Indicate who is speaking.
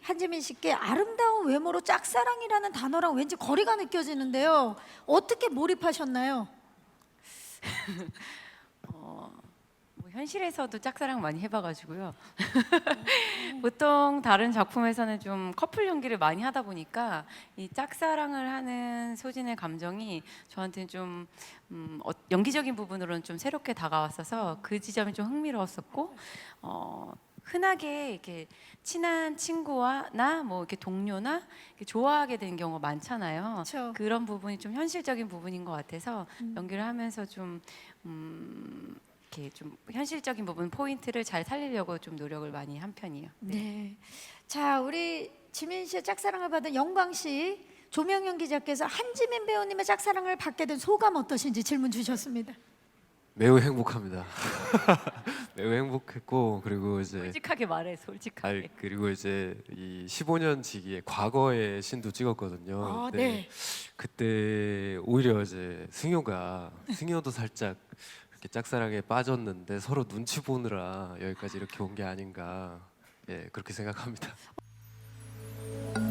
Speaker 1: 한지민 씨께 아름다운 외모로 짝사랑이라는 단어랑 왠지 거리가 느껴지는데요. 어떻게 몰입하셨나요?
Speaker 2: 뭐 현실에서도 짝사랑 많이 해봐가지고요. 보통 다른 작품에서는 좀 커플 연기를 많이 하다 보니까 이 짝사랑을 하는 소진의 감정이 저한테는 좀 연기적인 부분으로는 좀 새롭게 다가왔어서 그 지점이 좀 흥미로웠었고, 흔하게 이렇게 친한 친구와 나 뭐 이렇게 동료나 이렇게 좋아하게 되는 경우가 많잖아요.
Speaker 1: 그렇죠.
Speaker 2: 그런 부분이 좀 현실적인 부분인 것 같아서 연기를 하면서 좀 이렇게 좀 현실적인 부분 포인트를 잘 살리려고 좀 노력을 많이 한 편이에요.
Speaker 1: 네. 자, 우리 지민 씨의 짝사랑을 받은 영광 씨, 조명현 기자께서 한지민 배우님의 짝사랑을 받게 된 소감 어떠신지 질문 주셨습니다.
Speaker 3: 매우 행복합니다. 매우 행복했고 그리고 이제
Speaker 2: 솔직하게 말해, 솔직하게.
Speaker 3: 그리고 이제 이 15년 지기의 과거의 신도 찍었거든요.
Speaker 1: 아,
Speaker 3: 근데
Speaker 1: 네.
Speaker 3: 그때 오히려 이제 승효도 살짝 이렇게 짝사랑에 빠졌는데 서로 눈치 보느라 여기까지 이렇게 온 게 아닌가, 예, 그렇게 생각합니다.